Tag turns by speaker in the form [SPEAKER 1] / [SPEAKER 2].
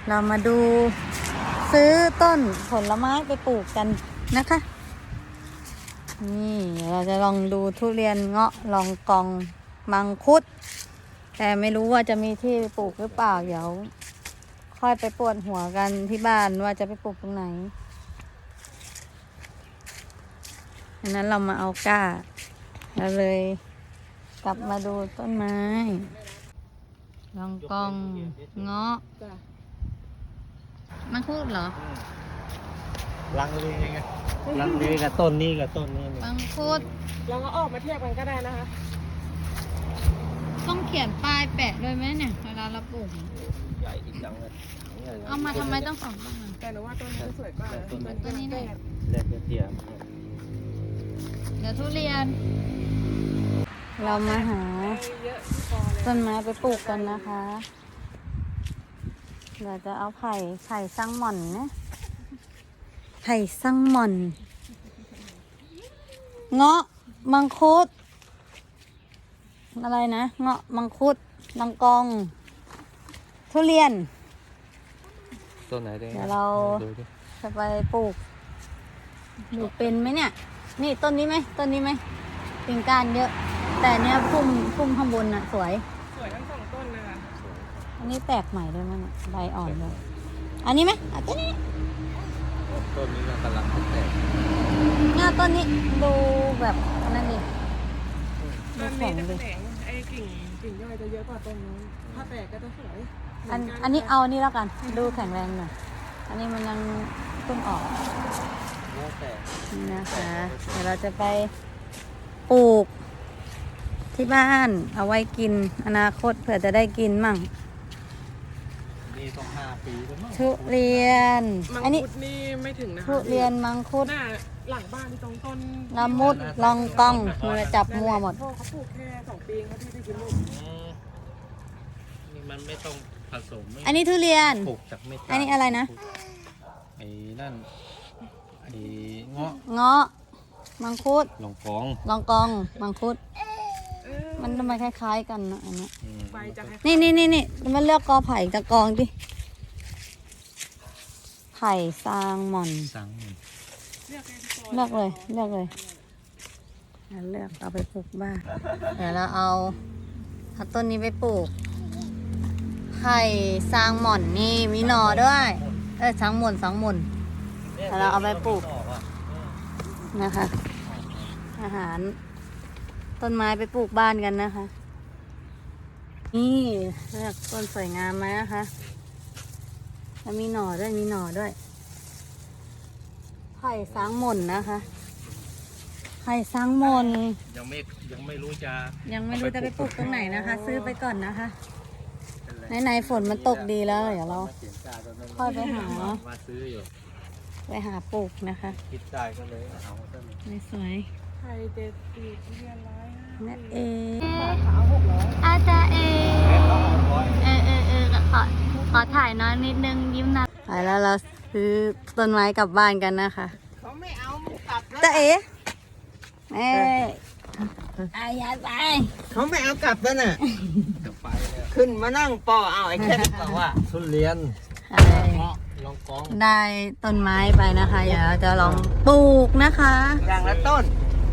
[SPEAKER 1] เรามาดูซื้อต้นผลไม้ไปปลูกกันนะคะนี่เราจะลองดูทุเรียนเงาะลองกองมังคุดแต่ไม่รู้ว่าจะมีที่ไปปลูกหรือเปล่าเดี๋ยวค่อยไปปวดหัวกันที่บ้านว่าจะไปปลูกตรงไหนดังนั้นเรามาเอาก้าเราเลยกลับมาดูต้นไม้ลองกองเงาะมังคุดเหรอ
[SPEAKER 2] ลังเลไงลังเลกับต้นนี้กับต้นนี้
[SPEAKER 1] มังคุด
[SPEAKER 3] เราก็ออกมาเทียบกันก็ได้นะคะ
[SPEAKER 1] ต้องเขียนป้ายแปะด้วยไหมเนี่ยเวลาเราปลูก
[SPEAKER 2] ใหญ่จริงจังเลย
[SPEAKER 1] เอามาทำไมต้อง2ต้น
[SPEAKER 3] แต่หนูว่าต้นนี้สวยกว่า
[SPEAKER 1] ต้นนี้เนี่ย
[SPEAKER 2] เล็กเทียม
[SPEAKER 1] เดี๋ยวทุเรียนเรามาหาต้นไม้ไปปลูกกันนะคะเราจะเอาไผ่ซังหม่อนนะไผ่ซังหม่อนเงาะมังคุดอะไรนะเงาะมังคุดลองกองทุเรียน
[SPEAKER 2] ต้นไหน
[SPEAKER 1] เดี๋ยวเราจะไปปลูกเป็นไหมเนี่ยนี่ต้นนี้ไหมกิ่งก้านเยอะแต่เนี้ยพุ่มข้างบนน่ะสวย
[SPEAKER 3] ทั้ง2ต้นเลยค่ะ
[SPEAKER 1] อันนี้แตกใหม่ด้วยมั้งเนี่ยใบอ่อนเลยอันนี้ไหมต้นนี้
[SPEAKER 2] กำลังแตก
[SPEAKER 1] ต้นนี้ดูแบบนั่นดิ
[SPEAKER 3] ต้นนี้จะแตกไอ้กิ่งย่อยจะเยอะกว่าต้นนู้นถ้าแตกก็จะสวย
[SPEAKER 1] อันนี้เอานี่แล้วกันดูแข็งแรงหน่อยอันนี้มันยังเพิ่งออกนี่นะคะเดี๋ยวเราจะไปปลูกที่บ้านเอาไว้กินอนาคตเผื่อจะได้กินมั่ง
[SPEAKER 2] นี่ต้อง5 ปีแล้วมั้ง
[SPEAKER 1] ทุเรียน
[SPEAKER 3] อันนี้นี่ไม่ถึงนะคะ
[SPEAKER 1] ทุเรียนมังคุด
[SPEAKER 3] หลังบ้านที่ตรงต้น
[SPEAKER 1] ละมุดลองกองมือจับมัวหมด
[SPEAKER 3] เขาปลูกแค่2 ปีเขาที่ได้กินลูก
[SPEAKER 2] นี่มันไม่ต้องผสม
[SPEAKER 1] อันนี้ทุเรียน
[SPEAKER 2] ปลูกจากเม็ด
[SPEAKER 1] อันนี้อะไรนะ
[SPEAKER 2] ไอ้นั่นไอ้เงาะ
[SPEAKER 1] มังคุดลองกองมังคุดมันทำไมคล้ายๆกันนะอันนี้นี่มันเลือกกอไผ่กับกองดิไผ่ซางหม่อนเลือกเลยเลือกเอาไปปลูกบ้านเดี๋ยวเราเอาต้นนี้ไปปลูกไผ่ซางหม่อนนี่มีหน่อด้วยซางหม่อนเดี๋ยวเราเอาไปปลูกนะคะอาหารต้นไม้ไปปลูกบ้านกันนะคะนี่เลือกต้นสวยงามไหมนะคะแล้วมีหน่อด้วยไผ่ซางหม่อนนะคะไผ่ซางหม่อน
[SPEAKER 2] ยังไม่รู้
[SPEAKER 1] จะไปปลูกตรงไหนนะคะซื้อไปก่อนนะคะไหนฝนมันตกดีแล้วเดี๋ยวเราค่อยไปหา
[SPEAKER 2] ซื้ออยู่
[SPEAKER 1] ไปหาปลูกนะคะ
[SPEAKER 2] คิดได้ก็เลยเอาต้น
[SPEAKER 1] นี้สวย
[SPEAKER 3] ไข่เด็ดปีกเรียนร้อย
[SPEAKER 1] นั่นเอ
[SPEAKER 3] ขาว600
[SPEAKER 1] อาจารย์ขอถ่ายน้อยนิดนึงยิ้มนะไปแล้วเราซื้อต้นไม้กลับบ้านกันนะคะ
[SPEAKER 3] เขาไม่เอากลับ
[SPEAKER 1] แล้วยายไป
[SPEAKER 3] เขาไม่เอากลับแล้วน่ะขึ้นมานั่งปอเอาไอ้แค่บอกว่า
[SPEAKER 2] ทุเรียนลองกอง
[SPEAKER 1] ได้ต้นไม้ไปนะคะเดี๋ยวเราจะลองปลูกนะคะ
[SPEAKER 3] อย่างละต้น